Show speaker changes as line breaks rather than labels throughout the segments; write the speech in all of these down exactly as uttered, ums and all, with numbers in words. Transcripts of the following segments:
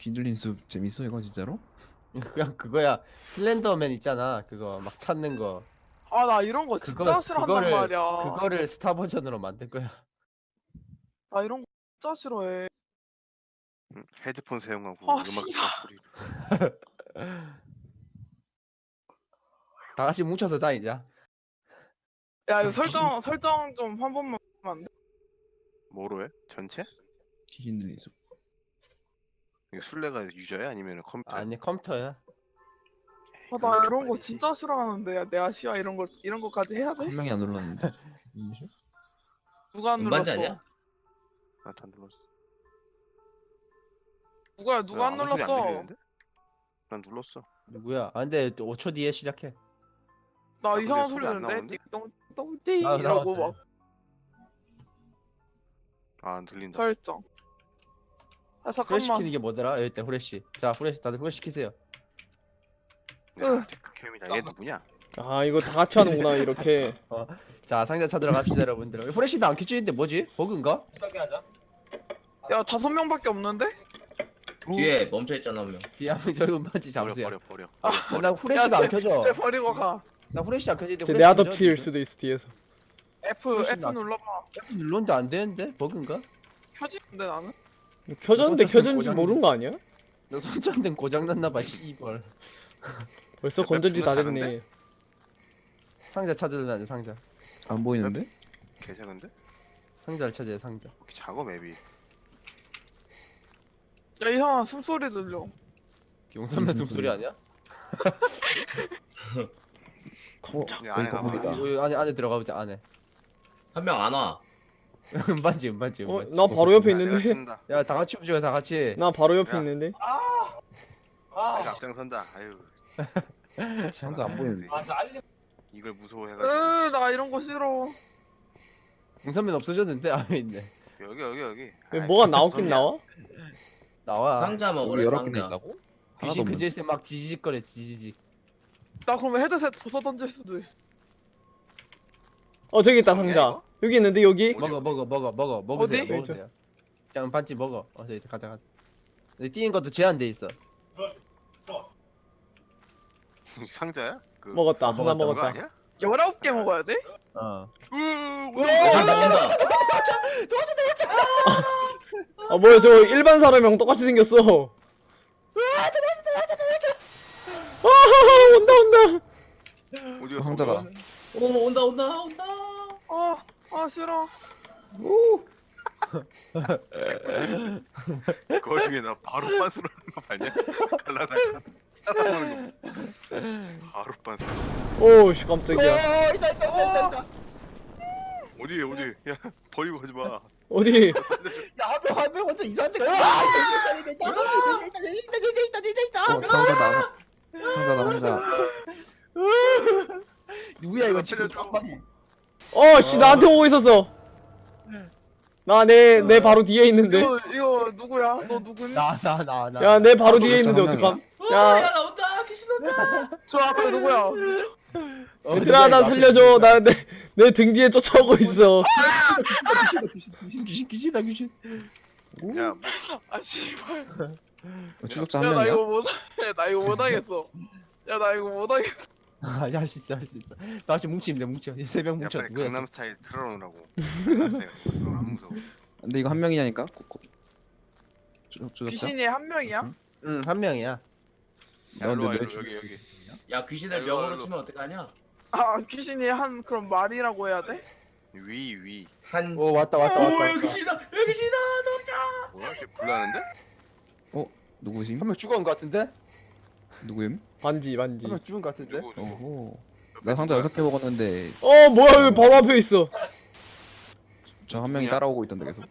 귀들린 숲 재밌어 이거 진짜로?
그냥 그거야. 슬렌더맨 있잖아. 그거 막 찾는 거.
아 나 이런 거 진짜
그거
싫어한단
그거를
말이야.
그거를 스타 버전으로 만들 거야.
나 이런 거 진짜 싫어해.
응, 헤드폰 사용하고
아,
음악
씨발.
듣는 소리.
다 같이 뭉쳐서 다니자.
야 이거 설정 설정 좀 한 번만 하면 안 돼?
뭐로 해? 전체?
귀신 들린 숲.
이거 술래가 유저야 아니면 컴퓨터?
아니 컴퓨터야.
아 나 이런 거 진짜 싫어하는데 야, 내 아시아 이런 거 이런 거까지 해야 돼?
한 명이 안 눌렀는데.
누가 안
음반지
눌렀어?
아니야?
나도 안 눌렀어.
누가 누가 안
아무 소리
눌렀어?
들리는데? 난 눌렀어.
누구야? 아 근데 또 오 초 뒤에 시작해.
나
아,
이상한
근데
소리
소리 안
듣는데
나오는데?
띵동띵띵
아,
이러고
나왔어요.
막
아, 안 들린다.
설정. 아
후레
잠깐만.
시키는 게 뭐더라? 여기 때 후레쉬. 자 후레쉬 다들 후레 시키세요.
야, 체크캠이다. 얘 누구냐?
아 이거 다 같이 하는구나 이렇게.
자 상자 찾으러 갑시다 여러분들. 후레쉬도 안 켜지는데 뭐지? 버그인가?
야 다섯 명밖에 없는데?
뒤에 멈춰 있잖아 한 명.
뒤에 한명 저기 음반지
버려
잡으세요.
버려 버려.
아,
어, 나 후레쉬가 안 켜져.
쟤 버리고 가.
나 후레쉬 안 켜지는데.
내
후레쉬
아더
켜져?
피일 수도 있어 뒤에서.
F
훨씬
F
낫-
눌러봐.
F 눌렀는데 안 되는데? 버그인가?
켜지는데 나는?
켜졌는데
손전등
켜졌는지
고장-
모르는 거 아니야?
나 손전등 고장 났나봐 씨발.
벌써
야,
건전지 다
작은데?
됐네.
상자 찾으려면 상자.
안 보이는데?
개작은데?
상자를 찾아야 상자.
이렇게 작업 앱이.
야 이상한 숨소리 들려.
용선배 숨소리 아니야?
어,
이 안에
이거
가봐.
보이다.
여기 안에 안에 들어가 보자 안에.
한 명 안 와.
음반지 음반지
어?
음반지.
나 바로 옆에
야, 내가
있는데?
찾는다.
야 다 같이 움직여 다 같이.
나 바로 옆에
야.
있는데?
내가 앞장선다. 아유.
상자 안 보이는데.
이걸 무서워해가지고.
으나 이런 거 싫어.
용선배는 없어졌는데 안에 있네.
여기 여기 여기.
왜
아이,
뭐가 나오긴
무섭냐?
나와?
나와.
상자
여기
먹으래
여러 개나
상자.
있다고?
귀신
하나도
그 짓에 막 지지직거려 지지직.
나 그러면 헤드셋 벗어 던질 수도 있어.
어 저기 있다
뭐냐,
상자.
이거?
여기 있는데 여기?
어디,
먹어
어디?
먹어 먹어 먹어 먹으세요
어디?
먹으세요. 그냥 반지 먹어. 어 저기 가자 가자. 근데 뛰는 것도 제한돼 있어.
상자야? 그
먹었다. 하나
먹었다,
그거
먹었다.
아니야?
열아홉 개 먹어야 돼?
어.
온다 온다.
아 뭐야 저 일반 사람이랑 똑같이 생겼어. 아 온다 온다.
어디 갔어?
상자다.
어디 갔어?
오 온다 온다 온다.
아, 아 싫어.
그 와중에 나 바로 빤스로 하는 거 봤냐? 갈라다가 따라오는 거. 바로 빤스.
오씨 깜짝이야.
어 있다 있다 있다 있다.
어디 어디? 야 버리고 가지 마.
어디?
야한명 한 명 혼자 이상한 데가. 아 있다 있다 있다 있다 있다 있다 있다 있다 있다
어,
있다.
상자다. 상자다 상자.
누구야 이거 지금
살려줘.
깜빡이.
어씨 나한테 오고 있었어. 나 내 내 바로 뒤에 있는데.
이거 이거 누구야? 너 누구니?
나나 나 나.
야 내 바로 뒤에
진짜
있는데
한
어떡함?
야,
야
나 온다. 귀신 온다.
저 앞에 누구야?
어,
얘들아 나 살려줘. 나 내 내 등 뒤에 쫓아오고 있어.
귀신 귀신 귀신이다 귀신.
야, 뭐,
아 씨발.
어, 추적자 한
야 나
명이야?
이거 못. 야 나 이거 못하겠어. 야 나 이거 못하겠어.
아할 수 있어 할 수 있어. 다시 뭉치면 돼 뭉쳐. 세명
야
뭉쳐
빨리
누구야?
강남 스타일 틀어놓으라고. 강남 스타일 틀어놓으라고. 안 무서워.
근데 이거 한 명이냐니까? 고- 고- 추- 추적자?
귀신이 한 명이야?
응한 명이야.
야,
너
일로 와,
근데
일로,
왜
여기 여기.
야 귀신을
일로 와,
명으로
일로.
치면 어떡하냐?
아 귀신이 한 그럼 말이라고 해야 돼?
위 위.
한.
오 왔다 왔다
오
왔다.
여기
왔다.
귀신이다. 여기 귀신이다. 도착.
뭐야? 걔 불나는데?
누구심?
한 명 죽은 것 같은데?
누구임?
반지 반지.
한 명 죽은 것 같은데?
누구 누구?
오호. 나 상자 여섯 개 먹었는데
어 뭐야 여기 바로 앞에 있어.
저 한 명이
누구냐?
따라오고 있던데 계속.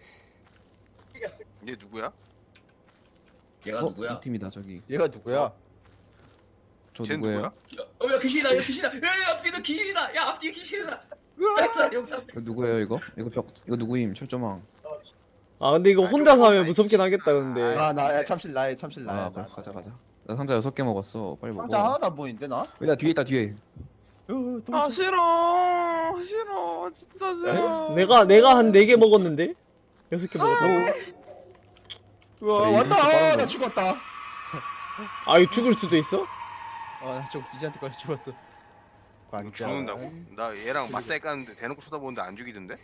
얘 누구야?
얘가
어?
누구야?
이 팀이다 저기.
얘가 누구야?
저
쟤
누구예요?
누구야?
어야 귀신이다. 야 귀신이다. 야 앞뒤도 귀신이다. 야 앞뒤 귀신이다. 영상 영상.
이거 누구예요 이거? 이거 벽 이거 누구임? 철조망.
아 근데 이거 혼자서 하면 무섭긴 하겠다 근데.
아나 참실 나야 참실 나야.
아 그래 가자 가자. 나 상자 여섯 개 먹었어. 빨리 먹어.
상자 하나도 안 보이는데 나?
여기 나 뒤에 있다 뒤에.
어,
아
도망쳐.
싫어 싫어 진짜 싫어.
내가 내가 한 네 개 먹었는데 여섯 개 먹었어.
우와
그래,
왔다.
이렇게 빠른
아, 나
거야?
죽었다.
아 이거 죽을 수도 있어?
아나 저거 기지한테까지 죽었어.
이거 죽는다고? 나 얘랑 맞다이 까는데 대놓고 쳐다보는데 안 죽이던데?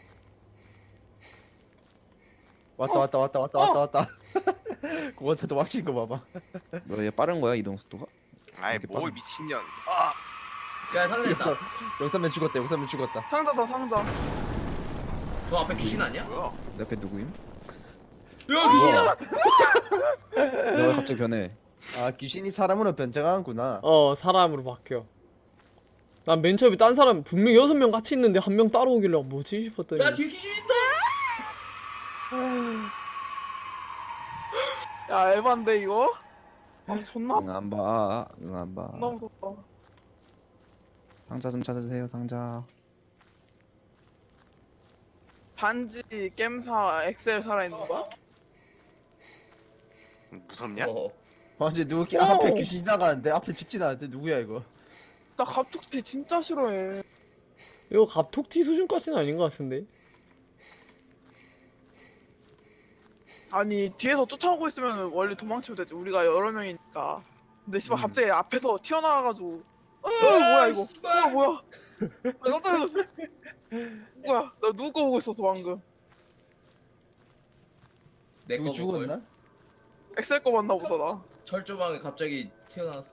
왔다 왔다 왔다 왔다 왔다 왔다. 그 원사도 확신 거 봐봐.
너얘 빠른 거야 이동 속도가?
아이
이렇게
뭘
빠른-
미친년. 아
야 상자 있다.
영삼면 죽었다. 영삼면 죽었다.
상자다 상자.
저 앞에 귀신 아니야?
뭐야?
내 앞에 누구임?
야 귀신이다.
내가 갑자기 변해.
아 귀신이 사람으로 변장하는구나.
어 사람으로 바뀌어. 난 맨 처음에 딴 사람 분명 여섯 명 같이 있는데 한 명 따로 오길래 뭐지 싶었더니
야 뒤에 귀신 있어.
야 에반데 이거? 아 존나
응안 봐. 응안 봐.
존나 무섭다.
상자 좀 찾으세요 상자.
반지 겜사 엑셀 살아있는 거야?
무섭냐?
어.
완전 누구 기 앞에 귀신 지나가는데 앞에 집 지나가는데 누구야 이거?
나 갑툭튀 진짜 싫어해.
이거 갑툭튀 수준까지는 아닌 것 같은데.
아니 뒤에서 쫓아오고 있으면 원래 도망치면 되지. 우리가 여러 명이니까. 근데 씨발
음.
갑자기 앞에서 튀어나와가지고 어 뭐야 이거?
씨발.
어 뭐야? 나 깜짝 놀랐어. 뭐야? 나 누구 거 보고 있었어 방금.
내거
누구 죽었나?
엑셀 거 봤나 보다 나.
철조망에 갑자기 튀어나왔어.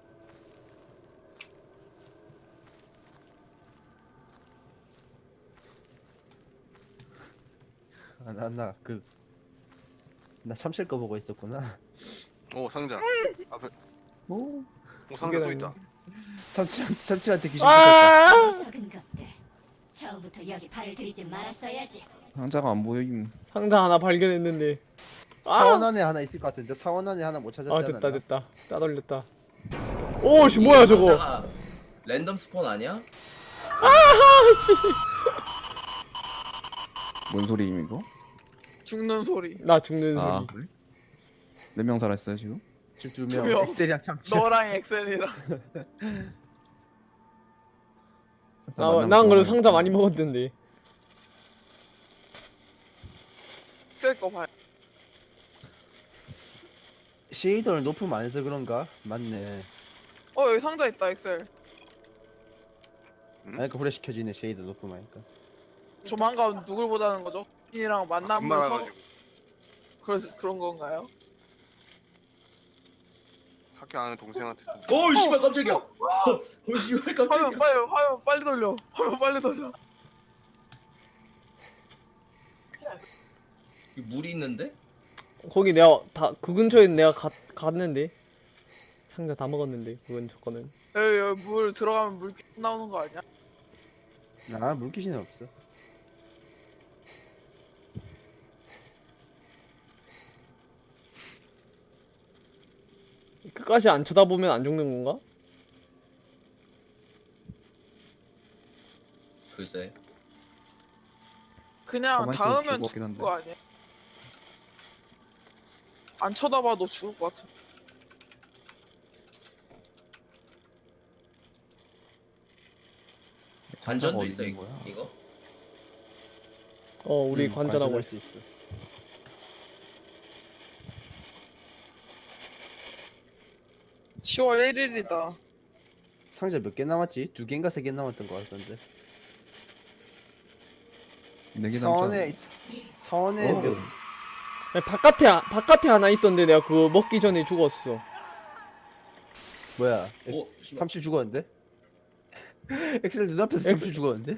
아나나그 나 참실 거 보고 있었구나.
오 상자. 앞에
오.
오 상자 또
이게
있다.
참치 참치한테 귀신 붙었다.
아!
썩은 것들. 처음부터 여기 발을 들이지 말았어야지.
상자가 안 보임.
상자 하나 발견했는데.
사원 안에 하나 있을 것 같은데 사원 안에 하나 못 찾았지
아
않았나?
됐다 됐다. 따돌렸다. 오씨 뭐야 저거.
상자가 랜덤 스폰 아니야?
뭔 소리임 이거?
죽는 소리.
나 죽는
아
소리.
그래? 몇 명 살았어요 지금?
지금
두
두 명.
명.
엑셀이랑 참치.
너랑 엑셀이랑.
아, 난 그래도 상자 많이 먹었는데.
엑셀 거 봐요.
쉐이더를 높으면 안 해서 그런가? 맞네.
어 여기 상자 있다 엑셀.
아니 그 후레쉬 켜지네 쉐이더 높으면 하니까.
조만간 누굴 보자는 거죠? 이랑
아,
만나면
금방
서로
와가지고
그래서 그런 건가요?
학교 아는 동생한테 좀-
오 씨발 깜짝이야. 오 씨발
화면
깜짝이야.
빨리 화면 빨리 돌려. 화면 빨리 돌려.
여기 물이 있는데?
거기 내가 다 그 근처에 내가 가, 갔는데 상자 다 먹었는데 그 근처 거는.
여기, 여기 물 들어가면 물 나오는 거 아니야?
아 물귀신은 없어.
끝까지 안 쳐다보면 안 죽는 건가?
글쎄.
그냥
가만히 있어도
닿으면
죽을 것
죽을
같긴 한데.
거 아니야? 안 쳐다봐도 죽을 것 같은.
관전도
어디
있어
있는
이거.
거야?
이거?
어 우리
응,
관전하고
관전할
있어.
수 있어.
시월 일일이다.
상자 몇 개 남았지? 두 개인가 세 개 남았던 것 같던데.
네개
사원에 사원에
오.
몇
아니, 바깥에 하- 바깥에 하나 있었는데 내가 그거 먹기 전에 죽었어.
뭐야?
오,
엑-
씨발.
참치 죽었는데? 엑셀 눈앞에서 참치 죽었는데?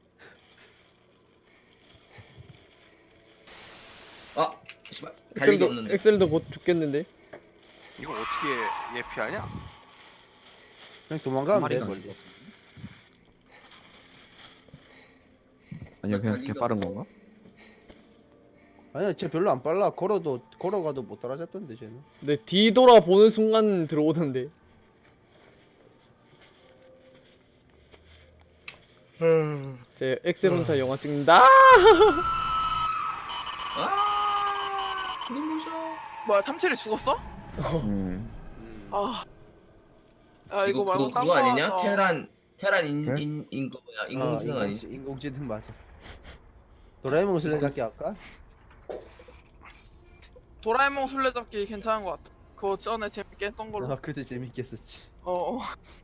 아 씨발 달리기
엑셀도
없는데.
엑셀도 곧 죽겠는데.
이거 어떻게 예피하냐?
그냥 도망가면 돼
마리가
멀리.
아니야 그냥
달리기가
개 빠른
뭐-
건가?
아니야 쟤 별로 안 빨라. 걸어도 걸어가도 못 따라잡던데 쟤는.
근데 뒤돌아 보는 순간 들어오던데. 제 엑셀 혼자 영화 찍는다.
아 눈부셔.
뭐야 탐칠이 죽었어?
음.
음.
아. 아 이거,
이거
말고
그거
딴
그거
거
아니냐?
하자.
테란 테란 인
그래?
인 인거 뭐야?
어,
인공지능 아니?
인공지, 인공지능 맞아. 도라에몽 술래잡기 할까?
도라에몽 술래잡기 괜찮은 것 같아. 그거 전에 재밌게 했던 걸로.
아 그때 재밌게 했었지.
어. 어.